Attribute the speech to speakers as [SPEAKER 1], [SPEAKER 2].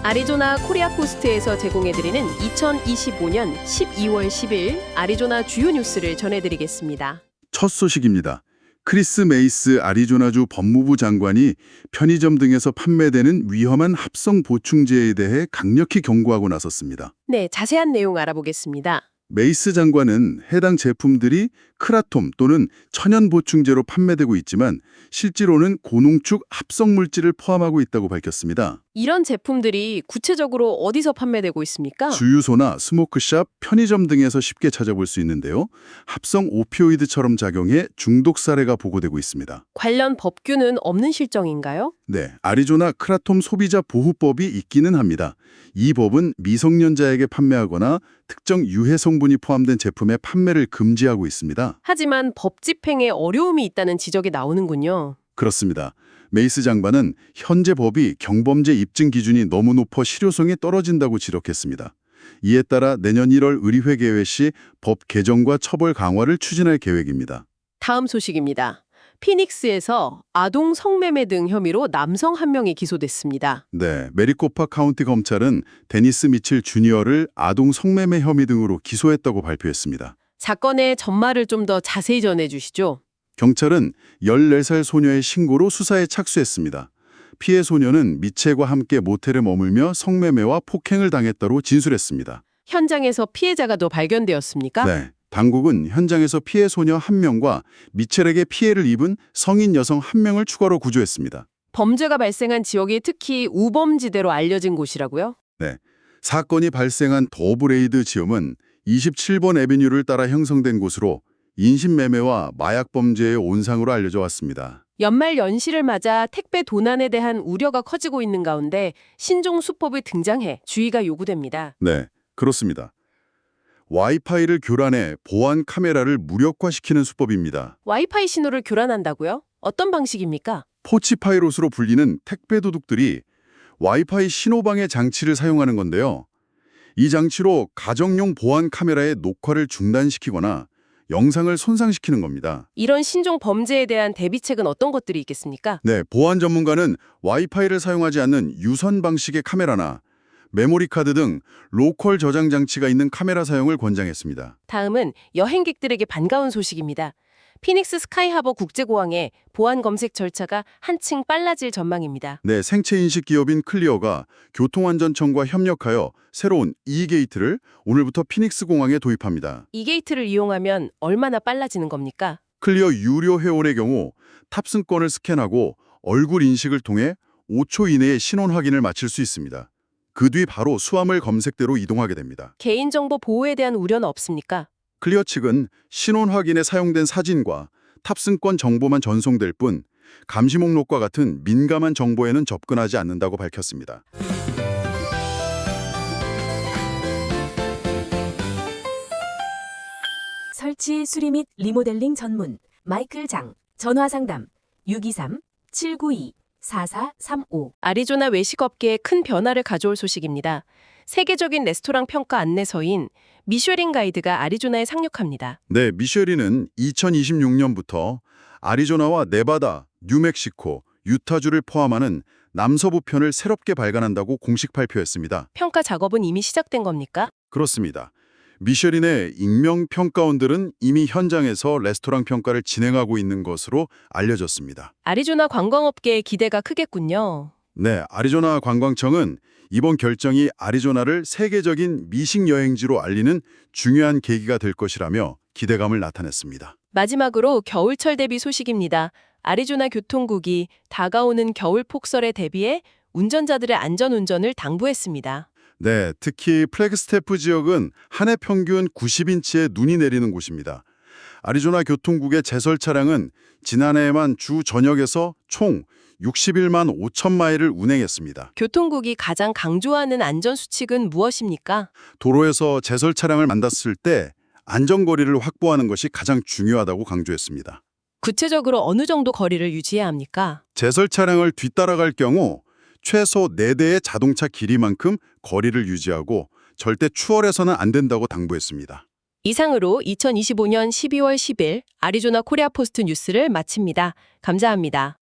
[SPEAKER 1] 아리조나 코리아포스트에서 제공해드리는 2025년 12월 10일 아리조나 주요 뉴스를 전해드리겠습니다.
[SPEAKER 2] 첫 소식입니다. 크리스 메이스 아리조나주 법무부 장관이 편의점 등에서 판매되는 위험한 합성 보충제에 대해 강력히 경고하고 나섰습니다.
[SPEAKER 1] 네, 자세한 내용 알아보겠습니다.
[SPEAKER 2] 메이스 장관은 해당 제품들이 크라톰 또는 천연 보충제로 판매되고 있지만 실제로는 고농축 합성 물질을 포함하고 있다고 밝혔습니다.
[SPEAKER 1] 이런 제품들이 구체적으로 어디서 판매되고 있습니까?
[SPEAKER 2] 주유소나 스모크샵, 편의점 등에서 쉽게 찾아볼 수 있는데요. 합성 오피오이드처럼 작용해 중독 사례가 보고되고 있습니다.
[SPEAKER 1] 관련 법규는 없는 실정인가요?
[SPEAKER 2] 네, 아리조나 크라톰 소비자 보호법이 있기는 합니다. 이 법은 미성년자에게 판매하거나 특정 유해 성분이 포함된 제품의 판매를 금지하고 있습니다.
[SPEAKER 1] 하지만 법 집행에 어려움이 있다는 지적이 나오는군요.
[SPEAKER 2] 그렇습니다. 메이스 장관은 현재 법이 경범죄 입증 기준이 너무 높아 실효성이 떨어진다고 지적했습니다. 이에 따라 내년 1월 의리회 개회 시 법 개정과 처벌 강화를 추진할 계획입니다.
[SPEAKER 1] 다음 소식입니다. 피닉스에서 아동 성매매 등 혐의로 남성 한 명이 기소됐습니다.
[SPEAKER 2] 네, 메리코파 카운티 검찰은 데니스 미칠 주니어를 아동 성매매 혐의 등으로 기소했다고 발표했습니다.
[SPEAKER 1] 사건의 전말을 좀 더 자세히 전해주시죠.
[SPEAKER 2] 경찰은 14살 소녀의 신고로 수사에 착수했습니다. 피해 소녀는 미체과 함께 모텔에 머물며 성매매와 폭행을 당했다고 진술했습니다.
[SPEAKER 1] 현장에서 피해자가 더 발견되었습니까?
[SPEAKER 2] 네, 당국은 현장에서 피해 소녀 1명과 미첼에게 피해를 입은 성인 여성 1명을 추가로 구조했습니다.
[SPEAKER 1] 범죄가 발생한 지역이 특히 우범지대로 알려진 곳이라고요?
[SPEAKER 2] 네, 사건이 발생한 더브레이드 지역은 27번 애비뉴를 따라 형성된 곳으로 인신매매와 마약 범죄의 온상으로 알려져 왔습니다.
[SPEAKER 1] 연말 연시를 맞아 택배 도난에 대한 우려가 커지고 있는 가운데 신종 수법이 등장해 주의가 요구됩니다.
[SPEAKER 2] 네, 그렇습니다. 와이파이를 교란해 보안 카메라를 무력화시키는 수법입니다.
[SPEAKER 1] 와이파이 신호를 교란한다고요? 어떤 방식입니까?
[SPEAKER 2] 포치파이롯으로 불리는 택배 도둑들이 와이파이 신호방해 장치를 사용하는 건데요. 이 장치로 가정용 보안 카메라의 녹화를 중단시키거나 영상을 손상시키는 겁니다.
[SPEAKER 1] 이런 신종 범죄에 대한 대비책은 어떤 것들이 있겠습니까?
[SPEAKER 2] 네, 보안 전문가는 와이파이를 사용하지 않는 유선 방식의 카메라나 메모리 카드 등 로컬 저장 장치가 있는 카메라 사용을 권장했습니다.
[SPEAKER 1] 다음은 여행객들에게 반가운 소식입니다. 피닉스 스카이하버 국제공항의 보안 검색 절차가 한층 빨라질 전망입니다.
[SPEAKER 2] 네, 생체인식 기업인 클리어가 교통안전청과 협력하여 새로운 E-게이트를 오늘부터 피닉스 공항에 도입합니다.
[SPEAKER 1] 이 게이트를 이용하면 얼마나 빨라지는 겁니까?
[SPEAKER 2] 클리어 유료 회원의 경우 탑승권을 스캔하고 얼굴 인식을 통해 5초 이내에 신원 확인을 마칠 수 있습니다. 그 뒤 바로 수화물 검색대로 이동하게 됩니다.
[SPEAKER 1] 개인정보 보호에 대한 우려는 없습니까?
[SPEAKER 2] 클리어 측은 신원 확인에 사용된 사진과 탑승권 정보만 전송될 뿐 감시 목록과 같은 민감한 정보에는 접근하지 않는다고 밝혔습니다.
[SPEAKER 3] 설치, 수리 및 리모델링 전문 마이클 장 전화상담 623-792-4435
[SPEAKER 1] 아리조나 외식업계에 큰 변화를 가져올 소식입니다. 세계적인 레스토랑 평가 안내서인 미쉐린 가이드가 아리조나에 상륙합니다.
[SPEAKER 2] 네, 미쉐린은 2026년부터 아리조나와 네바다, 뉴멕시코, 유타주를 포함하는 남서부 편을 새롭게 발간한다고 공식 발표했습니다.
[SPEAKER 1] 평가 작업은 이미 시작된 겁니까?
[SPEAKER 2] 그렇습니다. 미쉐린의 익명 평가원들은 이미 현장에서 레스토랑 평가를 진행하고 있는 것으로 알려졌습니다.
[SPEAKER 1] 아리조나 관광업계의 기대가 크겠군요.
[SPEAKER 2] 네, 아리조나 관광청은 이번 결정이 아리조나를 세계적인 미식 여행지로 알리는 중요한 계기가 될 것이라며 기대감을 나타냈습니다.
[SPEAKER 1] 마지막으로 겨울철 대비 소식입니다. 아리조나 교통국이 다가오는 겨울 폭설에 대비해 운전자들의 안전운전을 당부했습니다.
[SPEAKER 2] 네, 특히 플래그스태프 지역은 한 해 평균 90인치의 눈이 내리는 곳입니다. 아리조나 교통국의 제설 차량은 지난해에만 주 전역에서 총 61만 5천 마일을 운행했습니다.
[SPEAKER 1] 교통국이 가장 강조하는 안전수칙은 무엇입니까?
[SPEAKER 2] 도로에서 제설 차량을 만났을 때 안전거리를 확보하는 것이 가장 중요하다고 강조했습니다.
[SPEAKER 1] 구체적으로 어느 정도 거리를 유지해야 합니까?
[SPEAKER 2] 제설 차량을 뒤따라갈 경우 최소 4대의 자동차 길이만큼 거리를 유지하고 절대 추월해서는 안 된다고 당부했습니다.
[SPEAKER 1] 이상으로 2025년 12월 10일 아리조나 코리아포스트 뉴스를 마칩니다. 감사합니다.